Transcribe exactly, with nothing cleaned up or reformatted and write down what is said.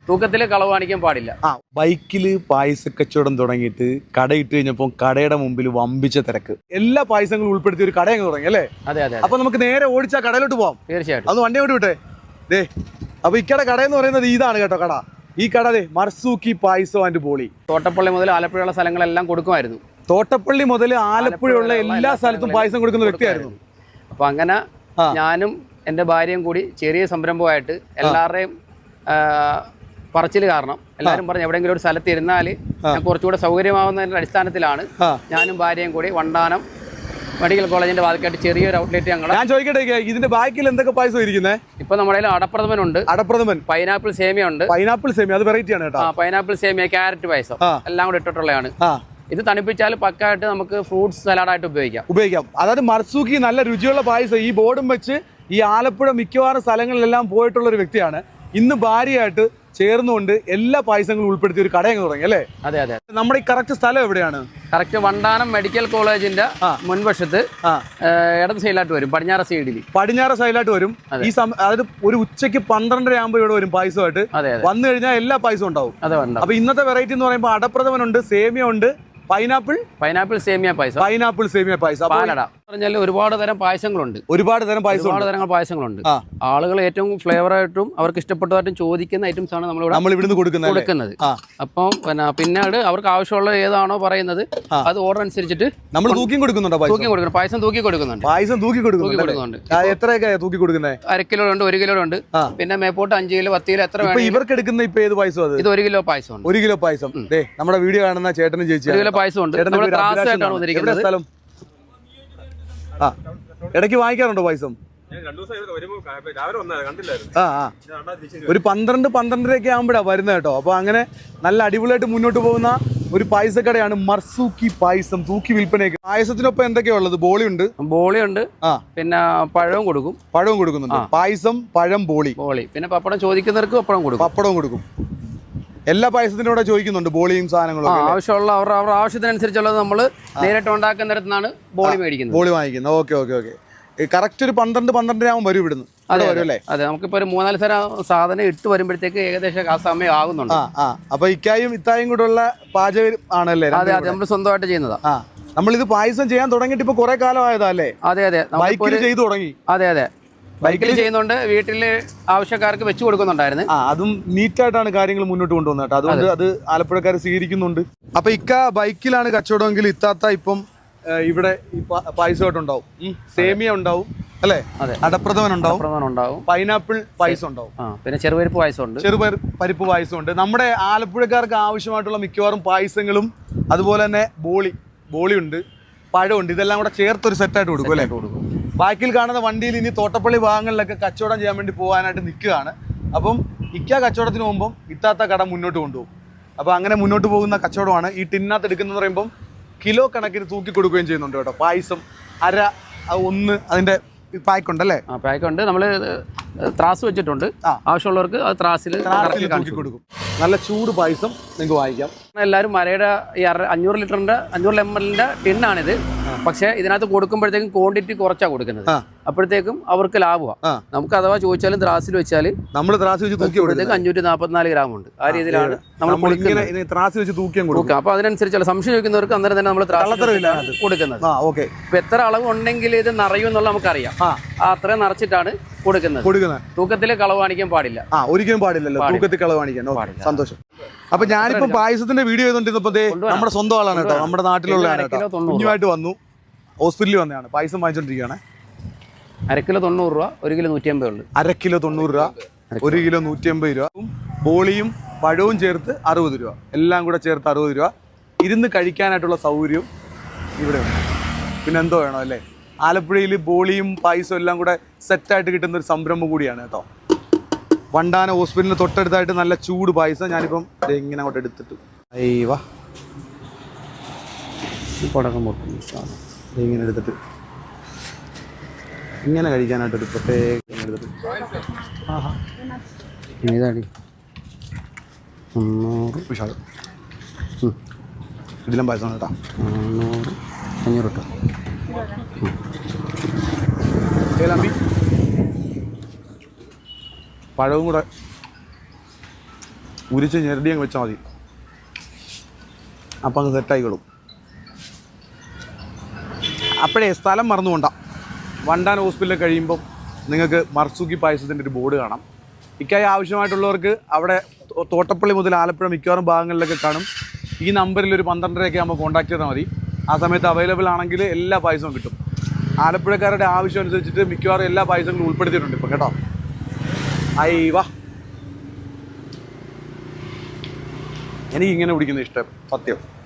തൂക്കത്തിൽ കളവ് കാണിക്കാൻ പാടില്ല. ആ ബൈക്കില് പായസ കച്ചവടം തുടങ്ങിയിട്ട് കടയിട്ട് കഴിഞ്ഞപ്പോൾ കടയുടെ മുമ്പിൽ വമ്പിച്ച തിരക്ക്. എല്ലാ പായസങ്ങളും ഉൾപ്പെടുത്തി ഒരു കട അങ്ങ് തുടങ്ങി അല്ലേ? അതെ അതെ. അപ്പൊ നമുക്ക് നേരെ ഓടിച്ചാ കടയിലോട്ട് പോവാം. തീർച്ചയായിട്ടും. അത് വണ്ടി ഓടി വിട്ടെ. ദേ അപ്പൊ ഇക്കടെ കട എന്ന് പറയുന്നത് ഇതാണ് കേട്ടോ കട. ഈ കട ദേ മർസൂക്കി പായസം ആൻഡ് ബോളി. തോട്ടപ്പള്ളി മുതൽ ആലപ്പുഴയുള്ള സ്ഥലങ്ങളെല്ലാം കൊടുക്കുമായിരുന്നു. തോട്ടപ്പള്ളി മുതൽ ആലപ്പുഴയുള്ള എല്ലാ സ്ഥലത്തും പായസം കൊടുക്കുന്ന വ്യക്തിയായിരുന്നു. അപ്പൊ അങ്ങനെ ഞാനും എൻ്റെ ഭാര്യയും കൂടി ചെറിയ സംരംഭമായിട്ട് എല്ലാവരുടെയും പറച്ചിൽ കാരണം എല്ലാവരും പറഞ്ഞ് എവിടെയെങ്കിലും ഒരു സ്ഥലത്ത് ഇരുന്നാൽ ഞാൻ കുറച്ചുകൂടെ സൗകര്യമാവുന്നതിൻ്റെ അടിസ്ഥാനത്തിലാണ് ഞാനും ഭാര്യയും കൂടി വണ്ടാനം മെഡിക്കൽ കോളേജിന്റെ ഭാഗത്തായിട്ട് ചെറിയൊരു ഔട്ട്ലെറ്റ് ഞങ്ങൾ. ഞാൻ ചോദിക്കട്ടെ, ഇതിന്റെ ബാക്കിൽ എന്തൊക്കെ പായസം ഇരിക്കുന്നത്? ഇപ്പൊ നമ്മുടെ അടപ്രഥമൻ ഉണ്ട്, അടപ്രഥമൻ, പൈനാപ്പിൾ സേമിയ ഉണ്ട്. പൈനാപ്പിൾ സേമിയ അത് വെറൈറ്റി ആണ് കേട്ടോ. പൈനാപ്പിൾ സേമിയ, ക്യാരറ്റ് പായസം എല്ലാം കൂടെ ഇട്ടിട്ടുള്ളതാണ്. ഇത് തണുപ്പിച്ചാൽ പക്കായിട്ട് നമുക്ക് ഫ്രൂട്ട്സ് സലാഡായിട്ട് ഉപയോഗിക്കാം ഉപയോഗിക്കാം അതായത് മർസൂക്കി നല്ല രുചിയുള്ള പായസം. ഈ ബോർഡും വെച്ച് ഈ ആലപ്പുഴ മിക്കവാറും സ്ഥലങ്ങളിലെല്ലാം പോയിട്ടുള്ള ഒരു വ്യക്തിയാണ്. ഇന്ന് ഭാര്യയായിട്ട് ചേർന്നുകൊണ്ട് എല്ലാ പായസങ്ങളും ഉൾപ്പെടുത്തി ഒരു കടയങ്ങ് തുടങ്ങി അല്ലേ? അതെ അതെ. നമ്മുടെ ഈ കറക്റ്റ് സ്ഥലം എവിടെയാണ്? കറക്റ്റ് വണ്ടാനം മെഡിക്കൽ കോളേജിന്റെ മുൻവശത്ത് ഇടത് സൈഡിലായിട്ട് വരും, പടിഞ്ഞാറ് സൈഡിൽ പടിഞ്ഞാറ് സൈഡിലായിട്ട് വരും. ഈ അതായത് ഒരു ഉച്ചയ്ക്ക് പന്ത്രണ്ടര ആകുമ്പോൾ ഇവിടെ വരും പായസമായിട്ട്. വന്നു കഴിഞ്ഞാൽ എല്ലാ പായസവും ഉണ്ടാവും. അപ്പൊ ഇന്നത്തെ വെറൈറ്റി എന്ന് പറയുമ്പോൾ അടപ്രഥമനുണ്ട്, സേമിയ ഉണ്ട്, പൈനാപ്പിൾ പൈനാപ്പിൾ സേമിയ പായസം, പൈനാപ്പിൾ സേമിയ പായസം, പാലട പറഞ്ഞാൽ ഒരുപാട് തരം പായസങ്ങളുണ്ട്. ഒരുപാട് തരം പായസം ഒരുപാട് തരങ്ങൾ പായസങ്ങളുണ്ട്. ആളുകൾ ഏറ്റവും ഫ്ലേവർ ആയിട്ടും അവർക്ക് ഇഷ്ടപ്പെട്ടതായിട്ടും ചോദിക്കുന്ന ഐറ്റംസ് ആണ് നമ്മൾ നമ്മൾ ഇവിടുന്ന് കൊടുക്കുന്നത് കൊടുക്കുന്നത്. അപ്പം പിന്നെ പിന്നീട് അവർക്ക് ആവശ്യമുള്ള ഏതാണോ പറയുന്നത് അത് ഓർഡർ അനുസരിച്ചിട്ട് നമ്മൾ തൂക്കി കൊടുക്കുന്നുണ്ട്. തൂക്കി കൊടുക്കണം, പായസം തൂക്കി കൊടുക്കുന്നുണ്ട്. പായസം തൂക്കി കൊടുക്കുന്നുണ്ട്. എത്രയൊക്കെ തൂക്കി കൊടുക്കുന്നത്? അര കിലോ ഉണ്ട്, ഒരു കിലോ ഉണ്ട്, പിന്നെ മേപ്പോട്ട് അഞ്ച് കിലോ, പത്ത് കിലോ, എത്ര വേണം. ഇവർക്ക് എടുക്കുന്ന ഇപ്പൊ ഏത് പായസം? അത് ഇത് ഒരു കിലോ പായസം. ഒരു കിലോ പായസം നമ്മുടെ വീഡിയോ കാണുന്ന ചേട്ടനും ചേച്ചി ഒരു കിലോ പായസം ഉണ്ട്. സ്ഥലം ആ ഇടയ്ക്ക് വാങ്ങിക്കാറുണ്ടോ പായസം? ആ ആ ഒരു പന്ത്രണ്ട് പന്ത്രണ്ടരയൊക്കെ ആകുമ്പോഴാ വരുന്നത് കേട്ടോ. അപ്പൊ അങ്ങനെ നല്ല അടിപൊളിയായിട്ട് മുന്നോട്ട് പോകുന്ന ഒരു പായസക്കടയാണ് മർസൂക്കി പായസം. തൂക്കി വിൽപ്പനയൊക്കെ. പായസത്തിനൊപ്പം എന്തൊക്കെയാ ഉള്ളത്? ബോളി ഉണ്ട്, ബോളി ഉണ്ട്, ആ പിന്നെ പഴവും കൊടുക്കും. പഴവും കൊടുക്കുന്നുണ്ട്. പായസം, പഴം, ബോളി, ബോളി പിന്നെ പപ്പടം ചോദിക്കുന്നവർക്ക് പപ്പടം കൊടുക്കും. പപ്പടവും കൊടുക്കും. എല്ലാ പായസത്തിനും കൂടെ ചോദിക്കുന്നുണ്ട് ബോളിയും സാധനങ്ങളും. ആവശ്യമുള്ള അവരുടെ അവരുടെ ആവശ്യത്തിനനുസരിച്ചുള്ളത് നമ്മൾ നേരിട്ട് ഉണ്ടാക്കുന്നിടത്തുനിന്നാണ് ബോളി മേടിക്കുന്നത്, ബോളി വാങ്ങിക്കുന്നത്. Okay okay okay. കറക്റ്റ് ഒരു പന്ത്രണ്ട് പന്ത്രണ്ടര ആകുമ്പോൾ വരും ഇവിടുന്ന്. അതെ അല്ലേ? അതെ. നമുക്കിപ്പോൾ ഒരു മൂന്നാല് തരം സാധനം ഇട്ട് വരുമ്പോഴത്തേക്ക് ഏകദേശം ആ സമയം ആകുന്നുണ്ട്. ആ അപ്പൊ ഇക്കായും ഇത്തായും കൂടെ ഉള്ള പാചകം ആണല്ലേ? അതെ അതെ. നമ്മൾ സ്വന്തമായിട്ട് ചെയ്യുന്നതാ. ആ നമ്മളിത് പായസം ചെയ്യാൻ തുടങ്ങിയിട്ട് ഇപ്പൊ കുറെ കാലം ആയതാ അല്ലേ? അതെ അതെ. ബൈക്കിൽ ചെയ്തു തുടങ്ങി. അതെ അതെ. ബൈക്കിൽ ചെയ്യുന്നുണ്ട്, വീട്ടില് ആവശ്യക്കാർക്ക് വെച്ചു കൊടുക്കുന്നുണ്ടായിരുന്നു. അതും നീറ്റായിട്ടാണ് കാര്യങ്ങൾ മുന്നോട്ട് കൊണ്ടുവന്നത് കേട്ടോ. അതുകൊണ്ട് അത് ആലപ്പുഴക്കാർ സ്വീകരിക്കുന്നുണ്ട്. അപ്പൊ ഇക്ക ബൈക്കിലാണ് കച്ചവടമെങ്കിൽ ഇത്താത്ത ഇപ്പം ഇവിടെ പായസമായിട്ടുണ്ടാവും. സേമിയ ഉണ്ടാവും അല്ലേ? അടപ്രഥമൻ ഉണ്ടാവും, പൈനാപ്പിൾ പായസം ഉണ്ടാവും, പിന്നെ ചെറുപരിപ്പ് പായസം ഉണ്ട്, ചെറുപരിപ്പ് പായസം ഉണ്ട്. നമ്മുടെ ആലപ്പുഴക്കാർക്ക് ആവശ്യമായിട്ടുള്ള മിക്കവാറും പായസങ്ങളും അതുപോലെ തന്നെ ബോളി ബോളി ഉണ്ട്, പഴമുണ്ട്. ഇതെല്ലാം കൂടെ ചേർത്തൊരു സെറ്റായിട്ട് കൊടുക്കും അല്ലേ? കൊടുക്കും. ബാക്കിൽ കാണുന്ന വണ്ടിയിൽ ഇനി തോട്ടപ്പള്ളി ഭാഗങ്ങളിലൊക്കെ കച്ചവടം ചെയ്യാൻ വേണ്ടി പോകാനായിട്ട് നിൽക്കുകയാണ്. അപ്പം ഇക്ക കച്ചവടത്തിന് പോകുമ്പം ഇത്താത്ത കട മുന്നോട്ട് കൊണ്ടുപോകും. അപ്പോൾ അങ്ങനെ മുന്നോട്ട് പോകുന്ന കച്ചവടമാണ്. ഈ ടിന്നകത്ത് എടുക്കുന്നത് പറയുമ്പം കിലോ കണക്കിന് തൂക്കി കൊടുക്കുകയും ചെയ്യുന്നുണ്ട് കേട്ടോ. പായസം അര ഒന്ന് അതിൻ്റെ പായ്ക്കുണ്ടല്ലേ? ആ പായ്ക്കുണ്ട്. നമ്മൾ ത്രാസ് വെച്ചിട്ടുണ്ട്. ആവശ്യമുള്ളവർക്ക് അത് ത്രാസിൽ തൂക്കി കൊടുക്കും. നല്ല ചൂട് പായസം നിങ്ങൾക്ക് വാങ്ങിക്കാം. എല്ലാവരും മരയുടെ ഈ അര അഞ്ഞൂറ് ലിറ്ററിന്റെ അഞ്ഞൂറ് എം എല്ലിന്റെ ടിന്നാണിത്. പക്ഷേ ഇതിനകത്ത് കൊടുക്കുമ്പോഴത്തേക്കും ക്വാണ്ടിറ്റി കുറച്ചാണ് കൊടുക്കുന്നത്. അപ്പോഴത്തേക്കും അവർക്ക് ലാഭമാണ്. നമുക്ക് അഥവാ ചോദിച്ചാലും ത്രാസിൽ വെച്ചാൽ നമ്മൾ ത്രാസ് വെച്ച് തൂക്കി അഞ്ഞൂറ്റി നാൽപ്പത്തിനാല് ഗ്രാം ഉണ്ട്. ആ രീതിയിലാണ് നമ്മൾ ത്രാസ് വെച്ച് തൂക്കിയും കൊടുക്കുക. അപ്പൊ അതിനനുസരിച്ചുള്ള സംശയം ചോദിക്കുന്നവർക്ക് അന്നേരം തന്നെ നമ്മൾ ത്രാസ് കൊടുക്കുന്നത്. ഇപ്പൊ എത്ര അളവ് ഉണ്ടെങ്കിൽ ഇത് നിറയും എന്നുള്ള നമുക്കറിയാം. ആ അത്രയും നിറച്ചിട്ടാണ് കൊടുക്കുന്നത്. തൂക്കത്തിൽ കളവ് കാണിക്കാൻ പാടില്ല. ആ ഒരിക്കലും പാടില്ലല്ലോ തൂക്കത്തിൽ കളവ് കാണിക്കാൻ. സന്തോഷം. അപ്പൊ ഞാനിപ്പോ പായസത്തിന്റെ വീഡിയോ ചെയ്തോണ്ടിരുന്നപ്പോ നമ്മുടെ സ്വന്തം ആളാണ് കേട്ടോ, നമ്മുടെ നാട്ടിലുള്ളതാണ് കേട്ടോ. കുഞ്ഞുമായിട്ട് വന്നു, ഹോസ്പിറ്റലിൽ വന്നതാണ്, പായസം വാങ്ങിച്ചോണ്ടിരിക്കുകയാണ്. അര കിലോ തൊണ്ണൂറ് രൂപ, ഒരു കിലോ നൂറ്റി അമ്പത് ഉള്ളു. അര കിലോ തൊണ്ണൂറ് രൂപ, ഒരു കിലോ നൂറ്റി അമ്പത് രൂപ. ബോളിയും പഴവും ചേർത്ത് അറുപത് രൂപ, എല്ലാം കൂടെ ചേർത്ത് അറുപത് രൂപ. ഇരുന്ന് കഴിക്കാനായിട്ടുള്ള സൗകര്യവും ഇവിടെ ഉണ്ട്. പിന്നെ എന്തോ വേണോ അല്ലേ? ആലപ്പുഴയിൽ ബോളിയും പായസവും എല്ലാം കൂടെ സെറ്റായിട്ട് കിട്ടുന്ന ഒരു സംരംഭം കൂടിയാണ് കേട്ടോ. വണ്ടാന ഹോസ്പിറ്റലിന് തൊട്ടടുത്തായിട്ട് നല്ല ചൂട് പായസം. ഞാനിപ്പം ഇങ്ങനെ അങ്ങോട്ട് എടുത്തിട്ട് അയ്യവാ ഇങ്ങനെ എടുത്തിട്ട് ഇങ്ങനെ കഴിക്കാനായിട്ടൊരു പ്രത്യേകം എടുത്തിട്ട് ഇതിലും പായസം കേട്ടോ. നാന്നൂറ് അഞ്ഞൂറ് കേട്ടോ. പഴവും കൂടെ ഉരിച്ച് ഞെരടി അങ്ങ് വെച്ചാൽ മതി, അപ്പം അങ്ങ് സെറ്റായിക്കോളും. അപ്പോഴേ സ്ഥലം മറന്നുകൊണ്ട, വണ്ടാൻ ഹോസ്പിറ്റലിൽ കഴിയുമ്പം നിങ്ങൾക്ക് മർസൂക്കി പായസത്തിൻ്റെ ഒരു ബോർഡ് കാണാം. ഇക്കായി ആവശ്യമായിട്ടുള്ളവർക്ക് അവിടെ തോട്ടപ്പള്ളി മുതൽ ആലപ്പുഴ മിക്കവാറും ഭാഗങ്ങളിലൊക്കെ കാണും. ഈ നമ്പറിൽ ഒരു പന്ത്രണ്ടരയൊക്കെ ആകുമ്പോൾ കോൺടാക്ട് ചെയ്താൽ മതി. ആ സമയത്ത് അവൈലബിൾ ആണെങ്കിൽ എല്ലാ പായസവും കിട്ടും. ആലപ്പുഴക്കാരുടെ ആവശ്യം അനുസരിച്ചിട്ട് മിക്കവാറും എല്ലാ പായസങ്ങളും ഉൾപ്പെടുത്തിയിട്ടുണ്ട് ഇപ്പം കേട്ടോ. ഐ വാ, എനിക്കിങ്ങനെ കുടിക്കുന്ന ഇഷ്ടം സത്യം.